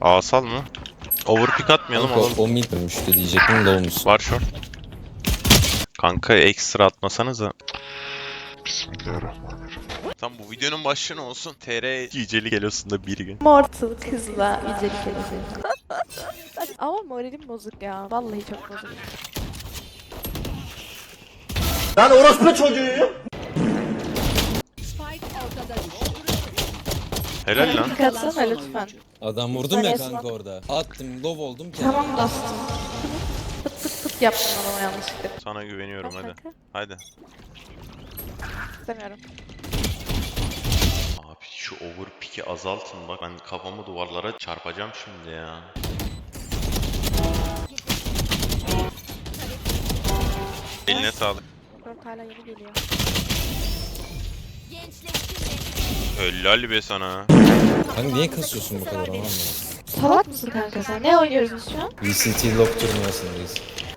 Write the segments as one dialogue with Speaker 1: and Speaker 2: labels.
Speaker 1: Asal mı? Overpick atmayalım
Speaker 2: Kanka
Speaker 1: oğlum.
Speaker 2: o mid dönmüştü diyecektim de olmuş.
Speaker 1: Var short. Kanka ekstra atmasanıza. Bismillahirrahmanirrahim. Tam bu videonun başlığı ne olsun? TR Yücelik Elosu'nda bir gün.
Speaker 3: Mortal kızla yücelik edeceğim. Ama moralim bozuk ya. Vallahi çok bozuk.
Speaker 4: Lan orospu çocuğuyum.
Speaker 1: Helal lan.
Speaker 3: Katsana lütfen.
Speaker 2: Adam vurdum ya
Speaker 3: Sen
Speaker 2: kanka orada. Attım low oldum ki.
Speaker 3: Tamam bastım. Pıt pıt pıt yaptım ama yanlışlıkla.
Speaker 1: Sana güveniyorum hadi.
Speaker 3: Kanka,
Speaker 1: Hadi.
Speaker 3: İstemiyorum.
Speaker 1: Abi şu overpick'i azaltın bak. Ben kafamı duvarlara çarpacağım şimdi ya. Eline sağlık.
Speaker 3: Dört hala yeni geliyor.
Speaker 1: Helal be sana.
Speaker 2: Kanka niye kasıyorsun bu kadar anlamadım.
Speaker 3: Salak mısın kanka sen? Ne oynuyoruz biz şu an?
Speaker 2: VCT lock turnuvasındayız.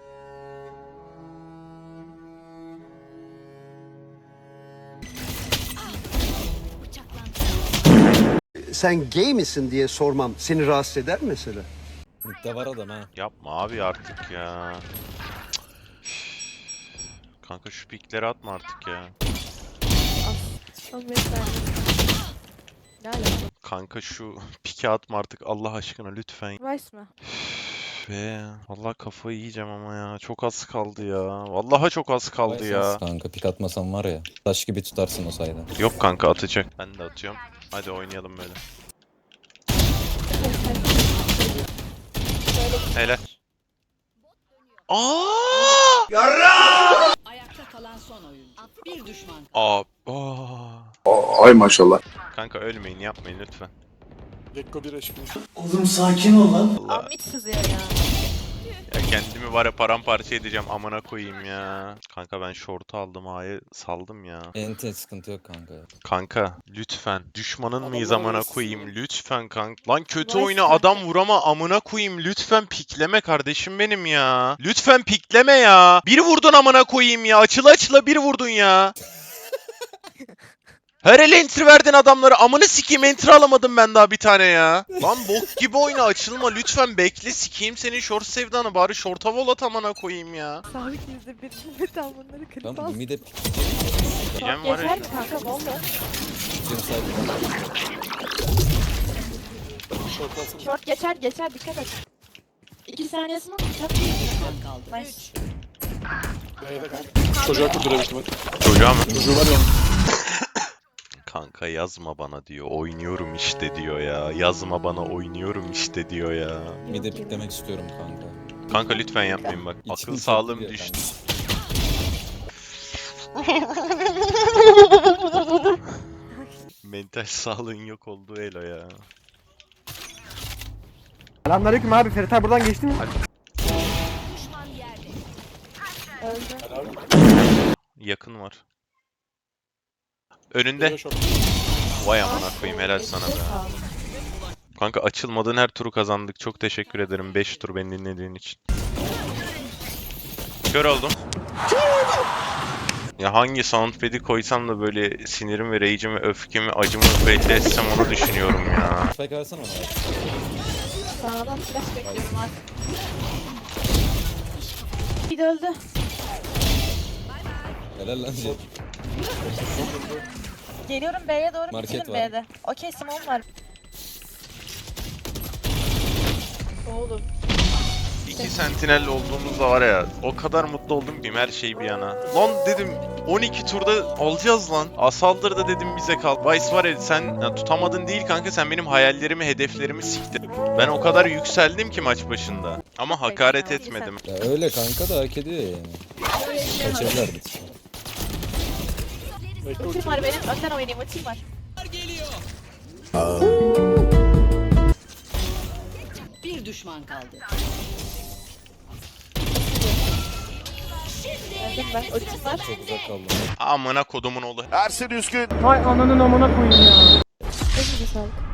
Speaker 4: Sen gay misin diye sormam seni rahatsız eder mi mesela?
Speaker 2: Mid'de var adam ha.
Speaker 1: Yapma abi artık ya. Kanka şu pikleri atma artık ya.
Speaker 3: Al mesela. Ne alaka?
Speaker 1: Kanka şu piki atma artık Allah aşkına lütfen.
Speaker 3: Vice mi?
Speaker 1: Be vallahi kafayı yiyeceğim ama ya. Çok az kaldı ya. Vallahi çok az kaldı ya.
Speaker 2: Kanka pik atmasan var ya. Taş gibi tutarsın o sayede.
Speaker 1: Yok kanka atacak. Ben de atıyorum. Hadi oynayalım böyle. Helal. Aa!
Speaker 5: Ayakta kalan son oyuncu. Bir düşman.
Speaker 6: Ay maşallah.
Speaker 1: Kanka ölmeyin yapmayın lütfen.
Speaker 7: Gekko 1 HP.
Speaker 4: Oğlum sakin ol lan.
Speaker 1: Allah.
Speaker 3: Amit sızıyor ya.
Speaker 1: Ya kendimi var ya paramparça edeceğim amına koyayım ya. Kanka ben short'u aldım A'yı saldım ya.
Speaker 2: Ente sıkıntı yok kanka.
Speaker 1: Kanka lütfen düşmanın mıyız
Speaker 7: Adamlar
Speaker 1: amına
Speaker 7: arası
Speaker 1: koyayım
Speaker 7: ya.
Speaker 1: lütfen kanka. Lan kötü
Speaker 3: Vay
Speaker 1: oyna
Speaker 3: kanka.
Speaker 1: adam vurama amına koyayım lütfen pikleme kardeşim benim ya. Lütfen pikleme ya. Bir vurdun amına koyayım ya açıla açıla bir vurdun ya. Her ele enter verdin adamları. Amını sikeyim enter alamadım ben daha bir tane ya. Lan bok gibi oyna açılma lütfen bekle sikeyim senin short sevdanı bari short'a vol at amına koyayım ya.
Speaker 3: Sabit %1 metal bunları kırıp
Speaker 2: Tamam
Speaker 3: al.
Speaker 2: bu mid'e
Speaker 1: Diyeceğim var
Speaker 3: Geçer
Speaker 1: ya.
Speaker 3: mi kanka? Ne oldu?
Speaker 2: pikeceğim sayede.
Speaker 7: Short alsın.
Speaker 3: Short geçer dikkat et. 2 saniyesini çok
Speaker 5: Düşman kaldı.
Speaker 3: Nice.
Speaker 7: B'de kanka. Çocuğa kurdurabildim hadi.
Speaker 1: Çocuğa mı?
Speaker 7: Çocuğu var ya.
Speaker 1: Kanka yazma bana diyor. Oynuyorum işte diyor ya. Yazma bana oynuyorum işte diyor ya.
Speaker 2: Mid'e piklemek istiyorum kanka.
Speaker 1: Kanka lütfen yapmayın bak.
Speaker 2: İçim
Speaker 1: Akıl
Speaker 2: çok
Speaker 1: sağlığım
Speaker 2: gidiyor
Speaker 1: düştü. Mental sağlığın yok olduğu elo ya.
Speaker 4: Selamünaleyküm abi Ferit abi buradan geçti mi?
Speaker 3: Öldü.
Speaker 1: Yakın var. Önünde.
Speaker 7: Geliyor short.
Speaker 1: Vay amına koyayım helal sana be. Kanka açılmadığın her turu kazandık. Çok teşekkür ederim 5 tur beni dinlediğin için. Kör oldum. Ya hangi soundpad'i koysam da böyle sinirim ve rage'imi, öfkemi, acımı belli etsem onu düşünüyorum ya.
Speaker 2: Spike versene ona.
Speaker 3: Sağdan flash bekliyorum artık. Bir de öldü.
Speaker 2: Helal lan Jet.
Speaker 3: Geliyorum B'ye doğru
Speaker 2: Market
Speaker 3: bitirin
Speaker 2: var.
Speaker 3: B'de. Okey Simon var. Oğlum.
Speaker 1: 2 sentinel olduğumuzda var ya o kadar mutlu oldum ki her şey bir yana. Lan dedim 12 turda alacağız lan. Asaldır da dedim bize kal. Vice var ya sen ya, tutamadın değil kanka sen benim hayallerimi hedeflerimi siktin. Ben o kadar yükseldim ki maç başında. Ama hakaret etmedim.
Speaker 2: Ya öyle kanka da hak ediyor yani. Kaçırırlardı.
Speaker 7: Gekko
Speaker 3: Ultim var benim. Önden oynayayım ultim var.
Speaker 5: Bir düşman kaldı.
Speaker 3: Öldüm ben. Ultim var.
Speaker 2: Çok uzak kaldım.
Speaker 1: Amına kodumun oğlu.
Speaker 6: Ersin Üskün.
Speaker 3: Elinize sağlık.